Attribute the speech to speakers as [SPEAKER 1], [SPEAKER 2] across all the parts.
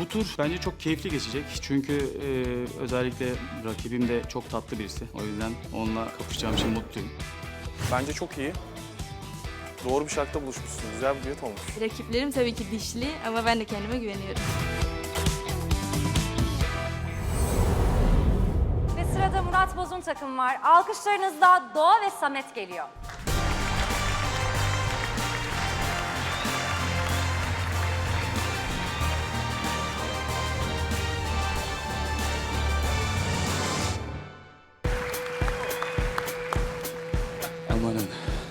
[SPEAKER 1] bu tur bence çok keyifli geçecek. Çünkü özellikle rakibim de çok tatlı birisi. O yüzden onunla kapışacağım için mutluyum.
[SPEAKER 2] Bence çok iyi. Doğru bir şarkıda buluşmuşsun. Güzel bir düet olmuş.
[SPEAKER 3] Rakiplerim tabii ki dişli ama ben de kendime güveniyorum.
[SPEAKER 4] Ve sırada Murat Boz'un takımı var. Alkışlarınızla Doğa ve Samet geliyor.
[SPEAKER 1] Amanın.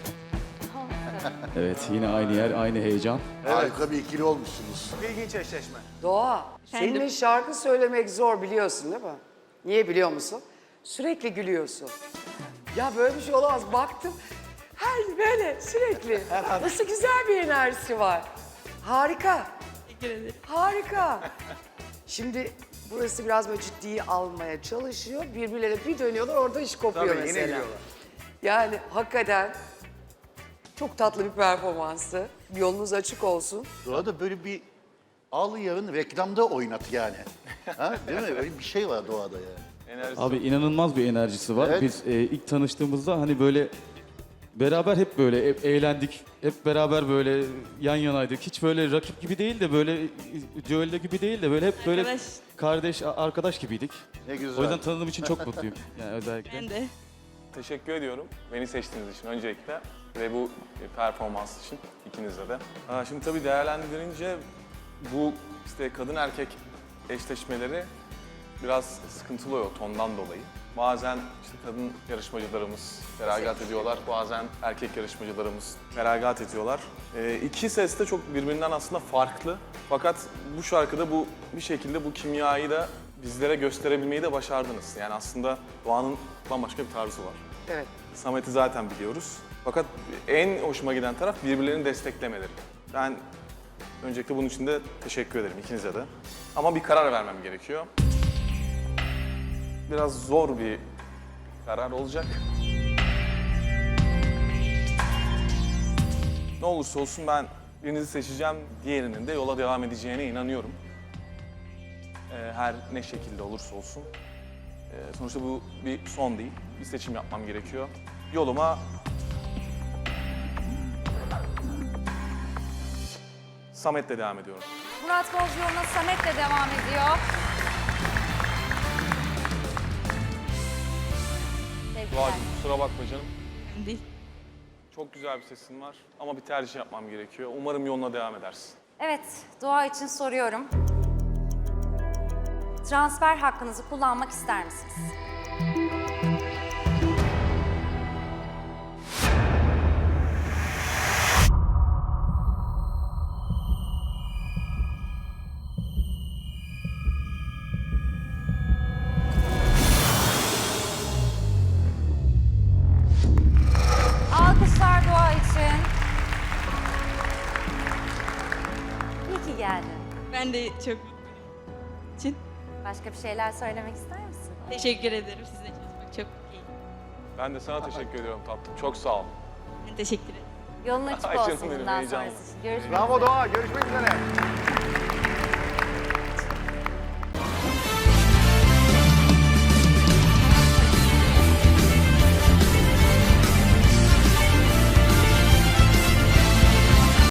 [SPEAKER 1] Evet, yine aynı yer, aynı heyecan.
[SPEAKER 5] Harika bir ikili olmuşsunuz.
[SPEAKER 2] İlginç eşleşme.
[SPEAKER 6] Doğa,
[SPEAKER 3] Efendim?
[SPEAKER 6] seninle şarkı söylemek zor biliyorsun değil mi? Niye biliyor musun? Sürekli gülüyorsun. Ya böyle bir şey olamaz. Baktım, her böyle sürekli. Nasıl güzel bir enerjisi var. Harika,
[SPEAKER 3] Teşekkür ederim.
[SPEAKER 6] harika. Şimdi burası biraz böyle ciddiyi almaya çalışıyor. Birbirlerine bir dönüyorlar, orada iş kopuyor
[SPEAKER 2] Tabii,
[SPEAKER 6] mesela.
[SPEAKER 2] yine gülüyorlar.
[SPEAKER 6] Yani hakikaten çok tatlı bir performanstı. Yolunuz açık olsun.
[SPEAKER 5] Doğada böyle bir al yarın reklamda oynat yani. Ha, değil mi? Öyle bir şey var doğada yani.
[SPEAKER 1] Abi inanılmaz bir enerjisi var.
[SPEAKER 5] Evet.
[SPEAKER 1] Biz ilk tanıştığımızda hani böyle beraber hep böyle eğlendik. Hep beraber böyle yan yanaydık. Hiç böyle rakip gibi değil de böyle düello gibi değil de böyle hep böyle
[SPEAKER 3] Arkadaş.
[SPEAKER 1] kardeş, arkadaş gibiydik.
[SPEAKER 5] Ne güzel.
[SPEAKER 1] O yüzden tanıdığım için çok mutluyum. Yani özellikle.
[SPEAKER 3] Ben de.
[SPEAKER 2] Teşekkür ediyorum beni seçtiğiniz için öncelikle ve bu performans için ikinize de. Şimdi tabii değerlendirince bu işte kadın erkek eşleşmeleri biraz sıkıntılı oluyor tondan dolayı. Bazen işte kadın yarışmacılarımız feragat ediyorlar, bazen erkek yarışmacılarımız feragat ediyorlar. İki ses de çok birbirinden aslında farklı. Fakat bu şarkıda bu bir şekilde bu kimyayı da bizlere gösterebilmeyi de başardınız. Yani aslında Doğan'ın bambaşka bir tarzı var.
[SPEAKER 6] Evet.
[SPEAKER 2] Samet'i zaten biliyoruz. Fakat en hoşuma giden taraf birbirlerini desteklemeleri. Ben öncelikle bunun için de teşekkür ederim ikinize de. Ama bir karar vermem gerekiyor. Biraz zor bir karar olacak. Ne olursa olsun ben birinizi seçeceğim, diğerinin de yola devam edeceğine inanıyorum. Her ne şekilde olursa olsun. Sonuçta bu bir son değil, bir seçim yapmam gerekiyor. Yoluma Samet'le devam ediyorum.
[SPEAKER 4] Murat Boz yoluna Samet'le devam ediyor. Tebrikler.
[SPEAKER 2] Doğacığım kusura bakma canım.
[SPEAKER 3] Değil.
[SPEAKER 2] Çok güzel bir sesin var ama bir tercih yapmam gerekiyor. Umarım yoluna devam edersin.
[SPEAKER 4] Evet, Doğa için soruyorum. Transfer hakkınızı kullanmak ister misiniz? Alkışlar Doğa için. İyi ki geldin.
[SPEAKER 3] Ben de çok mutluyum. için.
[SPEAKER 4] Başka bir şeyler söylemek ister misin?
[SPEAKER 3] Teşekkür ederim. Sizle çalışmak çok iyi.
[SPEAKER 2] Ben de sana teşekkür ediyorum tatlım. Çok sağ ol.
[SPEAKER 3] Ben teşekkür ederim.
[SPEAKER 4] Yolun açık
[SPEAKER 2] Ay canım
[SPEAKER 4] olsun
[SPEAKER 2] benim,
[SPEAKER 4] bundan
[SPEAKER 2] heyecanlı.
[SPEAKER 4] sonrası için. Görüşmek
[SPEAKER 7] Bravo
[SPEAKER 4] üzere.
[SPEAKER 7] Doğa, görüşmek üzere.